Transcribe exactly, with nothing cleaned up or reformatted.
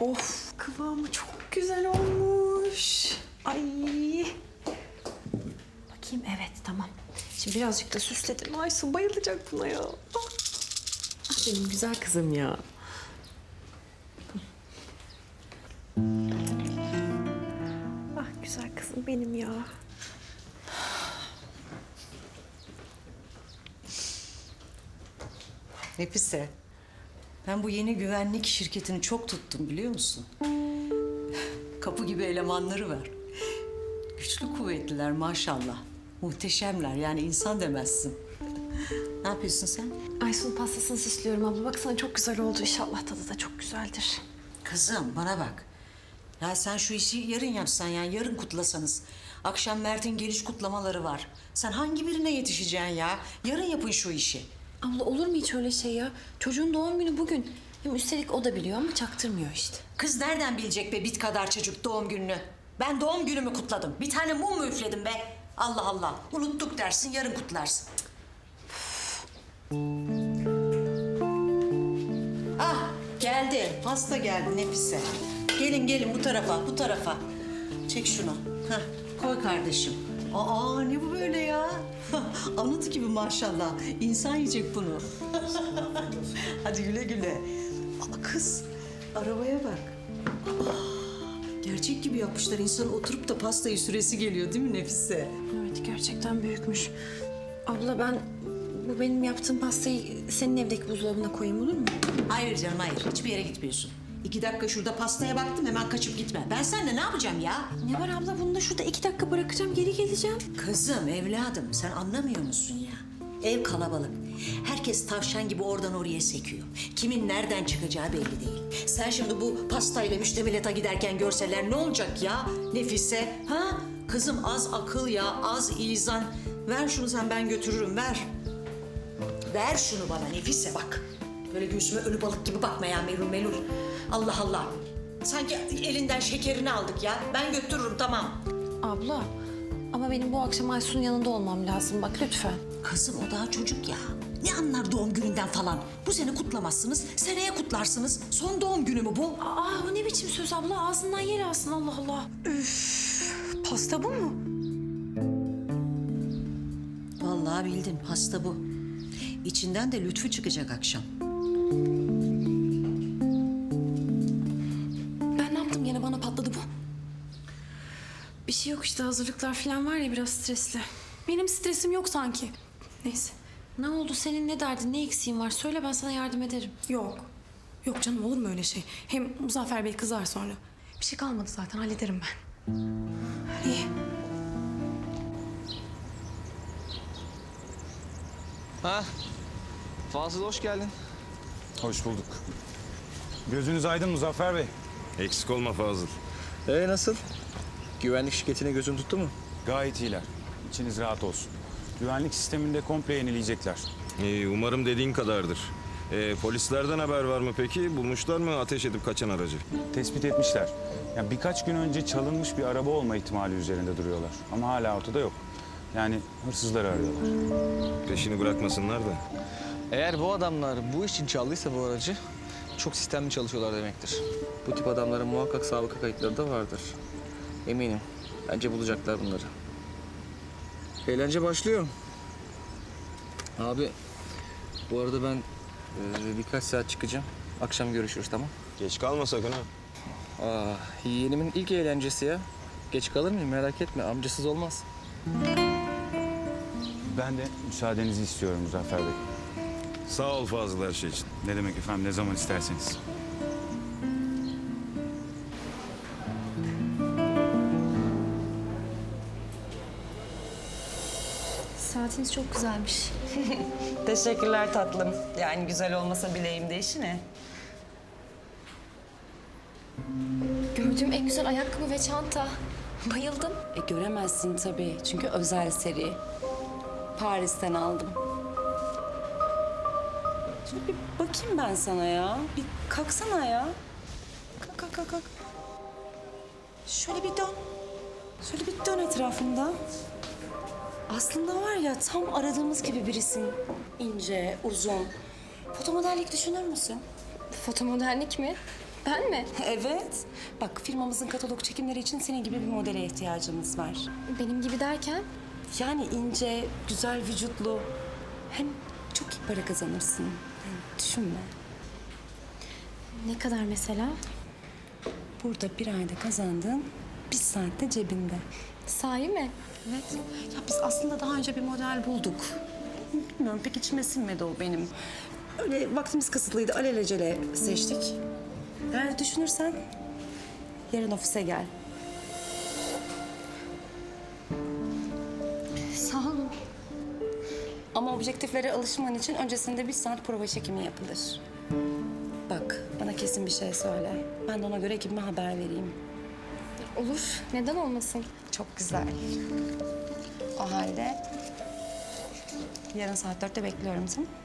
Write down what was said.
Of, kıvamı çok güzel olmuş. Ay. Bakayım, evet tamam. Şimdi birazcık da süsledim. Aysun bayılacak buna ya. Ah, ah benim güzel kızım ya. Ah güzel kızım benim ya. Nefise, ben bu yeni güvenlik şirketini çok tuttum biliyor musun? Kapı gibi elemanları var. Güçlü kuvvetliler maşallah. Muhteşemler yani insan demezsin. Ne yapıyorsun sen? Aysun pastasını süslüyorum abla. Baksana çok güzel oldu. İnşallah tadı da çok güzeldir. Kızım bana bak. Ya sen şu işi yarın yapsan yani yarın kutlasanız. Akşam Mert'in geliş kutlamaları var. Sen hangi birine yetişeceksin ya? Yarın yapın şu işi. Abla olur mu hiç öyle şey ya? Çocuğun doğum günü bugün. Hem üstelik o da biliyor ama çaktırmıyor işte. Kız nereden bilecek be bit kadar çocuk doğum gününü? Ben doğum günümü kutladım. Bir tane mum mu üfledim be? Allah Allah. Unuttuk dersin, yarın kutlarsın. Ah, geldi. Hasta geldi Nefise. Gelin gelin bu tarafa, bu tarafa. Çek şunu. Hah, koy kardeşim. Aa, ne bu böyle ya? Anıt gibi maşallah. İnsan yiyecek bunu. Hadi güle güle. Aa, kız, arabaya bak. Gerçek gibi yapmışlar. İnsan oturup da pastayı süresi geliyor değil mi Nefise? Evet gerçekten büyükmüş. Abla ben bu benim yaptığım pastayı senin evdeki buzdolabına koyayım olur mu? Hayır canım hayır. Hiçbir yere gitmiyorsun. İki dakika şurada pastaya baktım hemen kaçıp gitme. Ben seninle ne yapacağım ya? Ne var abla bunu da şurada iki dakika bırakacağım geri geleceğim. Kızım, evladım sen anlamıyor musun ya? Ev kalabalık. Herkes tavşan gibi oradan oraya sekiyor. Kimin nereden çıkacağı belli değil. Sen şimdi bu pastayla müştemilata giderken görseler ne olacak ya Nefise? Ha? Kızım az akıl ya, az izan. Ver şunu sen ben götürürüm, ver. Ver şunu bana Nefise bak. Böyle göğsüme ölü balık gibi bakma ya melul melul. Allah Allah. Sanki elinden şekerini aldık ya. Ben götürürüm tamam. Abla ama benim bu akşam Aysun'un yanında olmam lazım bak lütfen. Kızım o daha çocuk ya. Ne anlar doğum gününden falan? Bu sene kutlamazsınız, seneye kutlarsınız. Son doğum günü mü bu? Aa bu ne biçim söz abla ağzından yer alsın Allah Allah. Üf, pasta bu mu? Vallahi bildin, pasta bu. İçinden de Lütfü çıkacak akşam. Ben ne yaptım yine bana patladı bu. Bir şey yok işte hazırlıklar falan var ya biraz stresli. Benim stresim yok sanki. Neyse. Ne oldu senin ne derdin ne eksiğin var söyle ben sana yardım ederim. Yok. Yok canım olur mu öyle şey? Hem Muzaffer Bey kızar sonra. Bir şey kalmadı zaten hallederim ben. İyi. Ha, Fazıl hoş geldin. Hoş bulduk. Gözünüz aydın Muzaffer Bey. Eksik olma Fazıl. Ee nasıl? Güvenlik şirketine gözün tuttu mu? Gayet iyiler. İçiniz rahat olsun. Güvenlik sisteminde komple yenileyecekler. Ee, umarım dediğin kadardır. Ee, polislerden haber var mı peki? Bulmuşlar mı ateş edip kaçan aracı? Tespit etmişler. Yani birkaç gün önce çalınmış bir araba olma ihtimali üzerinde duruyorlar. Ama hala ortada yok. Yani hırsızları arıyorlar. Peşini bırakmasınlar da. Eğer bu adamlar bu iş için çaldıysa bu aracı çok sistemli çalışıyorlar demektir. Bu tip adamların muhakkak sabıka kayıtları da vardır. Eminim. Bence bulacaklar bunları. Eğlence başlıyor. Abi bu arada ben e, birkaç saat çıkacağım. Akşam görüşürüz tamam? Geç kalma sakın ha. Aa, yeğenimin ilk eğlencesi ya. Geç kalır mıyım merak etme amcasız olmaz. Ben de müsaadenizi istiyorum Muzaffer Bey. Sağ ol Fazıl her şey için. Ne demek efendim ne zaman isterseniz. Saatiniz çok güzelmiş. Teşekkürler tatlım. Yani güzel olmasa bileğimde işi ne? Gördüğüm en güzel ayakkabı ve çanta. Bayıldım. E, göremezsin tabii çünkü özel seri. Paris'ten aldım. Şöyle bir bakayım ben sana ya. Bir kalksana ya. Kalk kalk kalk. kalk. Şöyle bir dön. Şöyle bir dön etrafında. Aslında var ya tam aradığımız gibi birisin. İnce, uzun. Fotomodellik düşünür müsün? Fotomodellik mi? Ben mi? Evet. Bak firmamızın katalog çekimleri için senin gibi bir modele ihtiyacımız var. Benim gibi derken? Yani ince, güzel vücutlu. Hem çok iyi para kazanırsın. Yani düşünme. Ne kadar mesela? Burada bir ayda kazandığın bir saatte cebinde. Sahi mi? Evet. Ya biz aslında daha önce bir model bulduk. Bilmiyorum pek içime sinmedi o benim. Öyle vaktimiz kısıtlıydı. Alelacele seçtik. Eğer düşünürsen yarın ofise gel. Sağ olun. Ama objektiflere alışman için öncesinde bir saat prova çekimi yapılır. Bak bana kesin bir şey söyle. Ben de ona göre ekibime haber vereyim. Olur. Neden olmasın? Çok güzel. O halde yarın saat dörtte bekliyorum, tamam mı?